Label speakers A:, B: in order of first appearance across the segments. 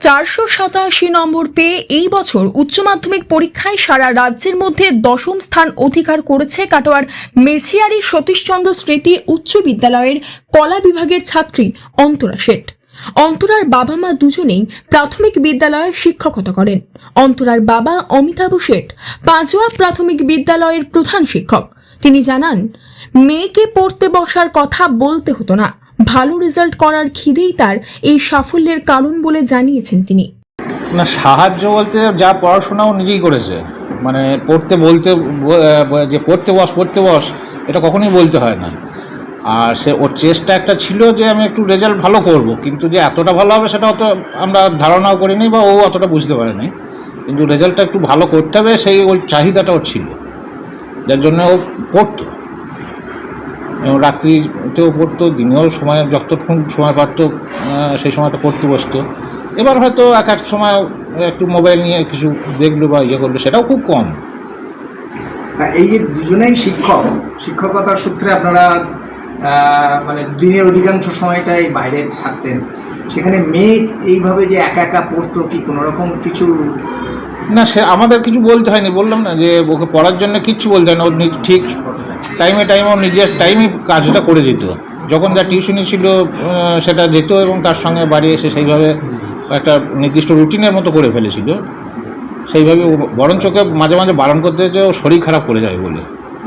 A: 487 নম্বর পেয়ে এই বছর উচ্চ মাধ্যমিক পরীক্ষায় সারা রাজ্যের মধ্যে দশম স্থান অধিকার করেছে কাটোয়ার মেছিয়ারি সতীশচন্দ্র স্মৃতি উচ্চ বিদ্যালয়ের কলা বিভাগের ছাত্রী অন্তরা শেঠ। অন্তরার বাবা মা দুজনেই প্রাথমিক বিদ্যালয়ে শিক্ষকতা করেন। অন্তরার বাবা অমিতাভ শেঠ পাঁচুয়া প্রাথমিক বিদ্যালয়ের প্রধান শিক্ষক। তিনি জানান, মেয়েকে পড়তে বসার কথা বলতে হতো না, ভালো রেজাল্ট করার খিদেই তার এই সাফল্যের কারণ বলে জানিয়েছেন তিনি।
B: না, সাহায্য বলতে যা পড়াশোনাও নিজেই করেছে, মানে পড়তে বলতে যে পড়তে বস এটা কখনোই বলতে হয় না। আর সে ওর চেষ্টা একটা ছিল যে আমি একটু রেজাল্ট ভালো করব, কিন্তু যে এতটা ভালো হবে সেটা অত আমরা ধারণাও করিনি বা ও অতটা বুঝতে পারেনি, কিন্তু রেজাল্টটা একটু ভালো করতে হবে সেই ওই চাহিদাটা ওর ছিল, যার জন্য ও পড়তো এবং রাত্রিতেও পড়তো, দিনেও সময় যতক্ষণ সময় পারতো সেই সময়টা পড়তে বসতো। এবার হয়তো এক সময় একটু মোবাইল নিয়ে কিছু দেখলো বা করলো, সেটাও খুব কম।
C: এই যে দুজনেই শিক্ষকতার সূত্রে আপনারা মানে দিনের অধিকাংশ সময়টাই বাইরে থাকতেন, সেখানে মেয়ে এইভাবে যে একা একা পড়তো, কি কোনো রকম কিছু?
B: না, সে আমাদের কিছু বলতে হয়নি, বললাম না যে ওকে পড়ার জন্য কিচ্ছু বলতে হয় না, ও ঠিক টাইমে ও নিজের টাইমে কাজটা করে যেত। যখন যা টিউশনি ছিল সেটা যেত এবং তার সঙ্গে বাড়ি এসে সেইভাবে একটা নির্দিষ্ট রুটিনের মতো করে ফেলেছিল। সেইভাবে বরঞ্চ ওকে মাঝে মাঝে বারণ করতে হচ্ছে, ও শরীর খারাপ করে যায় বলে।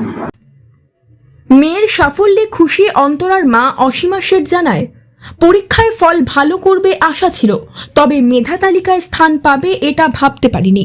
A: মেয়ের সাফল্যে খুশি অন্তরার মা অসীমা শেঠ জানায়, পরীক্ষায় ফল ভালো করবে আশা ছিল, তবে মেধা তালিকায় স্থান পাবে এটা ভাবতে পারিনি।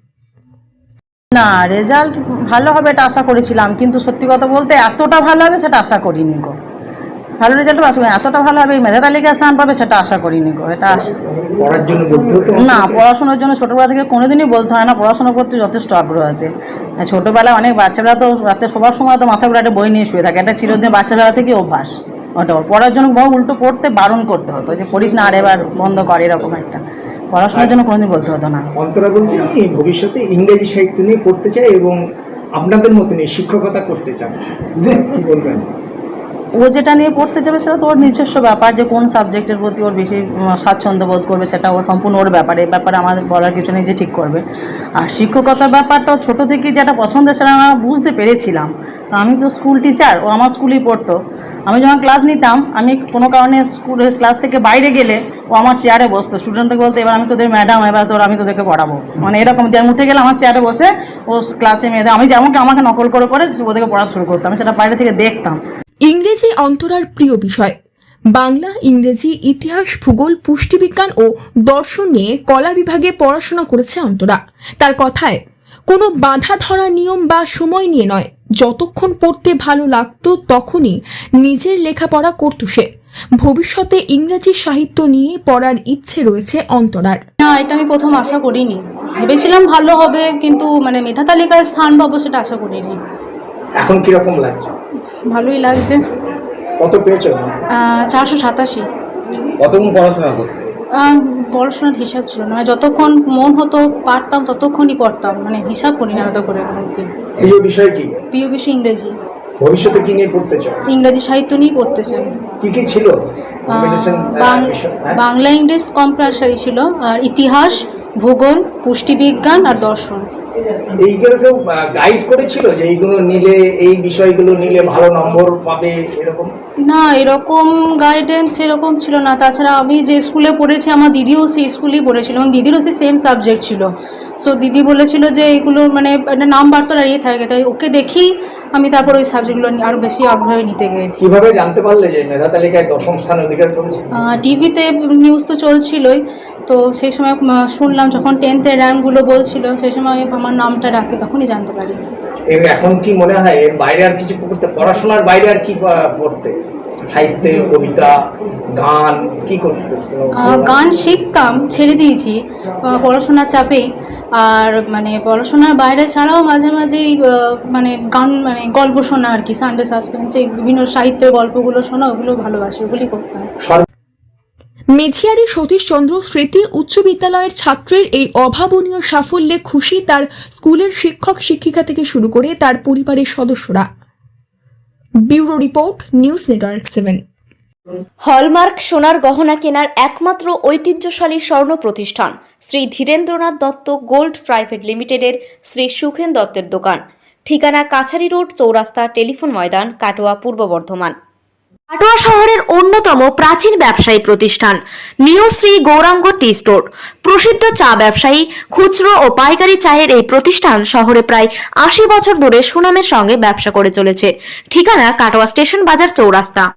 D: না, রেজাল্ট ভালো হবে এটা আশা করেছিলাম, কিন্তু সত্যি কথা বলতে এতটা ভালো হবে সেটা আশা করিনি গো। ভালো রেজাল্ট আসবে, এতটা ভালো হবে মেধা তালিকায় স্থান পাবে সেটা আশা করিনি গো। এটা
C: পড়ার জন্য বলতে হতো
D: না, পড়াশোনার জন্য ছোটোবেলা থেকে কোনোদিনই বলতে হয় না, পড়াশোনা করতে যথেষ্ট আগ্রহ আছে। ছোটোবেলায় অনেক বাচ্চারা তো রাতে সবার সময় তো মাথা ঘুরে একটা বই নিয়ে শুয়ে থাকে, এটা চিরদিন বাচ্চাবেলা থেকে অভ্যাস। ওটা পড়ার জন্য বহু উল্টো পড়তে বারণ করতে হতো, যে পড়িস না আর এবার বন্ধ কর, এরকম একটা। পড়াশোনার জন্য কোনোদিন বলতে হতো না।
C: অন্তরা বলছে আমি ভবিষ্যতে ইংরেজি সাহিত্য নিয়ে পড়তে চাই এবং আপনাদের মতনই শিক্ষকতা করতে চান, কি বলবেন?
D: ও যেটা নিয়ে পড়তে যাবে সেটা তো ওর নিজস্ব ব্যাপার, যে কোন সাবজেক্টের প্রতি ওর বেশি স্বাচ্ছন্দ্য বোধ করবে সেটা ওর সম্পূর্ণ ওর ব্যাপারে। এই ব্যাপারে আমাদের বলার কিছু নেই, যে ঠিক করবে। আর শিক্ষকতার ব্যাপারটাও ছোটো থেকেই যেটা পছন্দের সেটা আমরা বুঝতে পেরেছিলাম। আমি তো স্কুল টিচার, ও আমার স্কুলেই পড়তো। আমি যখন ক্লাস নিতাম, আমি কোনো কারণে স্কুলের ক্লাস থেকে বাইরে গেলে ও আমার চেয়ারে বসতো। স্টুডেন্টকে বলতে, এবার আমি তোদের ম্যাডাম, এবার আমি তোদেরকে পড়াবো, মানে এরকম দিয়ে আমি উঠে গেলে আমার চেয়ারে বসে ও ক্লাসে মেয়েদের আমি যেমন আমাকে নকল করে ওদেরকে পড়া শুরু করতাম, আমি সেটা বাইরে থেকে দেখতাম।
A: ইংরেজি অন্তরার প্রিয় বিষয়। বাংলা, ইংরেজি, ইতিহাস, ভূগোল, পুষ্টিবিজ্ঞান ও দর্শন নিয়ে কলা বিভাগে পড়াশোনা করেছে অন্তরা। তার কথায়, কোনো বাধা ধরা নিয়ম বা সময় নিয়ে নয়, যতক্ষণ পড়তে ভালো লাগতো তখনই নিজের লেখাপড়া করত সে। ভবিষ্যতে ইংরেজি সাহিত্য নিয়ে পড়ার ইচ্ছে রয়েছে অন্তরার।
E: না, এটা আমি প্রথম আশা করিনি, ভেবেছিলাম ভালো হবে, কিন্তু মানে মেধা তালিকায় স্থান পাবো সেটা আশা করিনি।
C: এখন কিরকম লাগছে?
E: ভালোই লাগছে।
C: কত পেয়েছো?
E: 487।
C: কতক্ষণ পড়াশোনা করতে?
E: পড়াশোনার হিসাব ছিল না, যতক্ষণ মন হতো পারতাম ততক্ষণই পড়তাম, মানে হিসাব করি না এত করে।
C: প্রিয় বিষয় কি?
E: প্রিয় বিষয় ইংরেজি।
C: ভবিষ্যতে কি নিয়ে পড়তে চাও?
E: ইংরেজি সাহিত্য নিয়ে পড়তে চাই।
C: কি ছিল?
E: বাংলা, ইংলিশ কম্পালসারি ছিল, আর ইতিহাস, ভূগোল, পুষ্টিবিজ্ঞান আর দর্শন।
C: এইগুলো কেউ গাইড করেছিল যে এইগুলো নিলে, এই বিষয়গুলো নিলে ভালো নম্বর পাবে এরকম?
E: না, এরকম গাইডেন্স এরকম ছিল না। তাছাড়া আমি যে স্কুলে পড়েছি, আমার দিদিও সেই স্কুলেই পড়েছিল এবং দিদিরও সেই সেম সাবজেক্ট ছিল। সো দিদি বলেছিল যে এগুলো মানে একটা নাম্বার তো দাঁড়িয়ে থাকে, তাই ওকে দেখি আমি তারপর ওই সাবজেক্টগুলো আরও বেশি আগ্রহে নিতে গিয়েছি।
C: কীভাবে জানতে পারলে যে মেধা তালিকায় দশম স্থান অধিকার করেছে?
E: টিভিতে নিউজ তো চলছিলই, তো সেই সময় শুনলাম যখন 10th-এর র্যাঙ্কগুলো বলছিল, সেই সময় আমার নামটা ডাকে, তখনই জানতে পারি।
C: এখন কি মনে হয় এর বাইরে আর কিছু পড়তে, পড়াশোনার বাইরে আর কি পড়তে? সাহিত্যে, কবিতা, গান কি করতে?
E: গান শিখতাম, ছেড়ে দিয়েছি পড়াশোনার চাপেই। আর মানে পড়াশোনার বাইরে ছাড়াও মাঝে মাঝেই মানে গান, মানে গল্প শোনা আর কি, সানডে সাসপেন্স, এই বিভিন্ন সাহিত্যের গল্পগুলো শোনা, ওগুলো ভালোবাসি, ওগুলি করতাম।
A: মেছিয়ারি সতীশচন্দ্র স্মৃতি উচ্চ বিদ্যালয়ের ছাত্রের এই অভাবনীয় সাফল্যে খুশি তার স্কুলের শিক্ষক শিক্ষিকা থেকে শুরু করে তার পরিবারের সদস্যরা। Bureau report, news network 7।
F: Hallmark সোনার গহনা কেনার একমাত্র ঐতিহ্যশালী স্বর্ণ প্রতিষ্ঠান শ্রী ধীরেন্দ্রনাথ দত্ত গোল্ড প্রাইভেট লিমিটেডের শ্রী সুখেন দত্তের দোকান। ঠিকানা কাছারি রোড, চৌরাস্তা, টেলিফোন ময়দান, কাটোয়া, পূর্ব বর্ধমান। কাটোয়া শহরের অন্যতম প্রাচীন ব্যবসায়ী প্রতিষ্ঠান new Shri Gouranga tea store. প্রসিদ্ধ চা ব্যবসায়ী, খুচরো ও পাইকারি চায়ের এই প্রতিষ্ঠান শহরে প্রায় 80 বছর ধরে সুনামের সঙ্গে ব্যবসা করে চলেছে। ঠিকানা কাটোয়া স্টেশন বাজার, চৌরাস্তা।